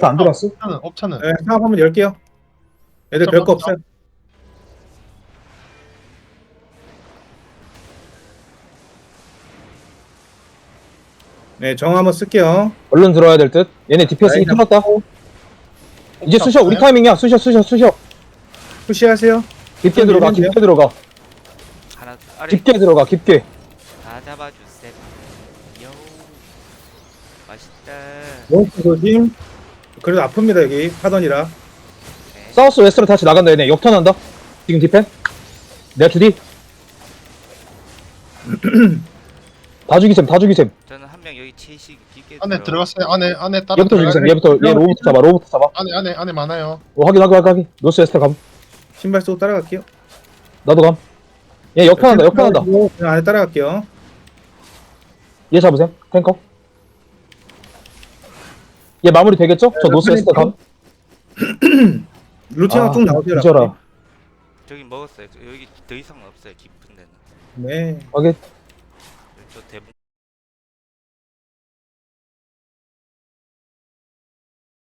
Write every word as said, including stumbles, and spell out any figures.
웨스트 안 들어왔어? 옵차는 옵차는 네, 상업 한번 열게요. 애들 별거 없어요. 네, 정 한번 쓸게요. 얼른 들어와야 될 듯. 얘네 디피에스 라인 힘 틀었다. 이제 쑤셔. 우리 타이밍이야. 쑤셔 쑤셔 쑤셔. 푸시하세요. 깊게 들어가. 밀면 돼요? 깊게 들어가. 하나 아래 깊게 들어가. 깊게. 다 잡아주세요. 요 맛있다. 몬스터 조심. 그래도 아픕니다, 여기. 파던이라. 네. 사우스 웨스트로 다시 나간다. 얘네 역턴한다. 지금 디펜. 내가 주디. 다 죽이셈. 다 죽이셈. 저는 한 명 여기 채식 깊게 안에 들어- 들어갔어요. 안에 안에 따라 얘부터 들어가요. 죽이셈. 얘부터 얘 로부터 잡아. 로부터 잡아. 안에 안에 안에 많아요. 오, 확인 확인 확인. 노스 웨스트 감. 신발 쏘고 따라갈게요. 나도 감. 얘 역턴한다. 역턴한다. 그냥 안에 따라갈게요. 얘 잡으셈. 탱커. 얘 마무리 되겠죠? 저 네, 노스 웨스트 감. 루틴하고 아, 쭉 나오세요. 뒤져라. 저기 먹었어요. 저- 여기 더 이상 없어요. 깊은 데는. 네. 확인. 저 대문